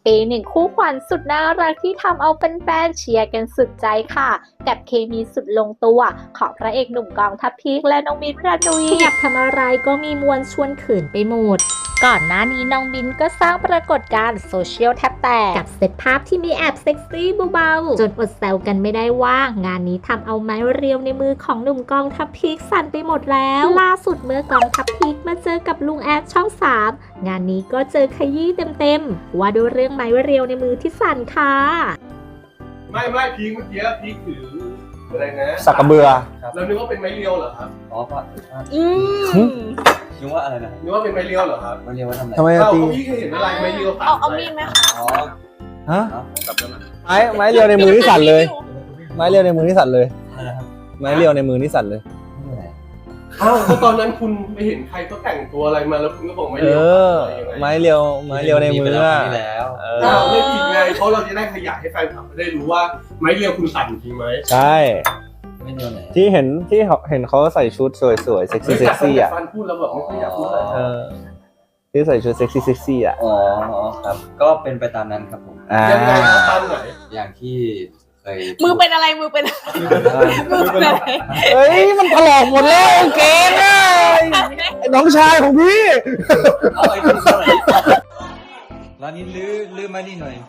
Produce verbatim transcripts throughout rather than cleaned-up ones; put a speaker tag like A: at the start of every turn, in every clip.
A: ปีหนึ่งคู่ขวัญสุดน่ารักที่ทำเอาเป็นแฟนเชียร์กันสุดใจค่ะกับเคมีสุดลงตัวของพระเอกหนุ่มกองทัพพีคและน้องมิ้นท์ รานุยอยากทำอะไรก็มีมวลชวนขืนไปหมดก่อนหน้านี้น้องมิ้นท์ก็สร้างปรากฏการณ์โซเชียลแทบแตกกับเซตภาพที่มีแอบเซ็กซี่เบาๆจนอดแซวกันไม่ได้ว่างานนี้ทำเอาไม้เรียวในมือของหนุ่มกองทัพพีคสั่นไปหมดแล้วล่าสุดเมื่อกองทัพพีคมาเจอกับลุงแอดช่องสามงานนี้ก็เจอขยี้เต็มๆว่าด้วยเรื่องไม้เรียวในมือที่สั่นค่ะ
B: ไม่ไม่พีคเมื่อกี้พีคถืออะไรนะ
C: สักกระเบือ
B: แล้วนึกว่าเป็นไม้เรียวเหรอครับ
D: อ๋อก็
A: อืม
D: นึกว่าอะไรนะ
B: นึกว่าเป็นไม้เรียวเหรอครับ
D: ไม้เรียวว่าทำอะไร
C: ทำไม
B: เอ้า
C: ตี
B: พี่เคยเห็นอะไรไม้เรียวตัด
A: เอาเอามีดไหมคะ
D: อ๋อ
C: ฮะ
D: กลับมา
C: ไม้ไม้เรียวในมือที่สั่นเลย ไม้เรียวในมือที่สั่นเลย
D: อะไรนะครับ
C: ไม้เรียวในมือที่สั่นเลย
B: อ้าวก็ตอนนั้นคุณไปเห็นใครเขาแต่งตัวอะไรมาแล้วคุณก็บอกไม้
C: เอ
B: เรียว
C: อไม้เรียวไม้เรียวในมืออ่ะ
D: แล้ว
C: เอ
B: อ้าว
C: อ
B: ไม่ผิดไงเพราะเราจะได้ขยายให้แฟนคลับได้รู้ว่าไม้เรียวคุณสั่นจริงไหม
C: ใช่
D: ไม่เรียวไหน
C: ที่เห็นที่เห็นเขาใส่ชุดสวยๆเซ็กซี่เซ็กซี่อ่ะ
B: ฟันพูดแล้วแบบไม่ค่อยอยากพูดอะไร
C: เออที่ใส่ชุดเซ็กซี่เซ็กซี่อ่ะ
D: อ๋อครับก็เป็นไปตามนั้นครับผม
B: ยังไงตามไหน
D: อย่างที่เคย
A: มือเป็นอะไรมือเป็นอะไรมือเป็นอะไร
C: เฮ้ยมันถลอกหมดแล้วเกงอ่ะน้องชายของพี่
D: เอาไอ้ที่ไหนร้านนี้ลื้อลื้อมานี่หน่อย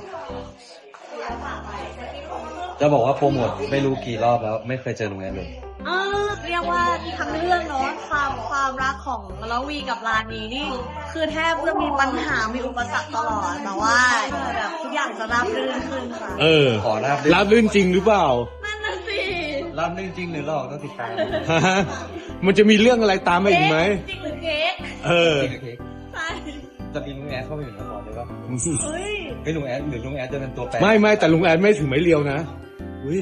D: จะบอกว่าโปรโมทไม่รู้กี่รอบแล้วไม่เคยเจอลุงแอนเลย
E: เออเรียกว่าทั้งเรื่องเนาะความความรักของละวีกับลานีนี่คือแทบจะมีปัญหามีอุปสรรคตลอดแต่ว่าแบบทุกอย่างจะราบรื่นขึ้นค่ะ
F: เออ
D: ขอราบ
F: ราบรื่นจริงหรือเปล่า
E: นั่นน่ะสิ
D: ราบรื่นจริงหรือหลอกต้องติดตาม
F: มันจะมีเรื่องอะไรตามมาอีกไหม
E: จริงหรือเค้ก
F: เออ
E: ใช่
D: จะมีลุงแอดเข้าไปอยู่ในละครเลยป่ะ
E: เฮ้ย
D: ไม่ลุงแอดหรือลุงแอดจะเป็นตัวแปร
F: ไม่ไม่แต่ลุงแอดไม่ถึงไม้เรียวนะ
E: อุ้ย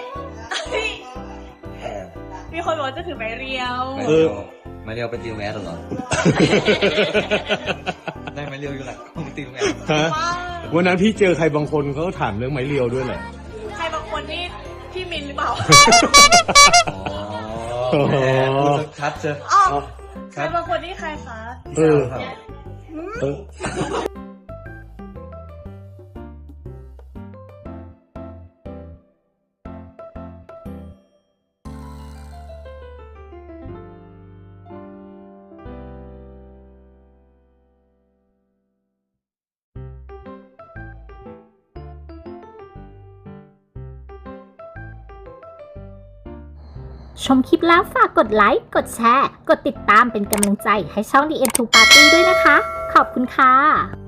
E: มีคนบอกจะถือไม้เรียว
D: เออไม้เรียวไปตีลุงแอดหรอได้ไม้เรียวอยู่แหละไปตีลุงแอด
F: วันนั้นพี่เจอใครบางคนเขาถามเรื่องไม้เรียวด้วยแหละ
E: ใครบางคนนี่พี่มินหรือเปล่า
D: อ๋อชัดเจอ
E: ใครบางคนนี่ใครคะ
F: เออเออ
A: ชมคลิปแล้วฝากกดไลค์ กดแชร์ กดติดตามเป็นกำลังใจให้ช่อง ดี เอ็ม ทู Party ด้วยนะคะ ขอบคุณค่ะ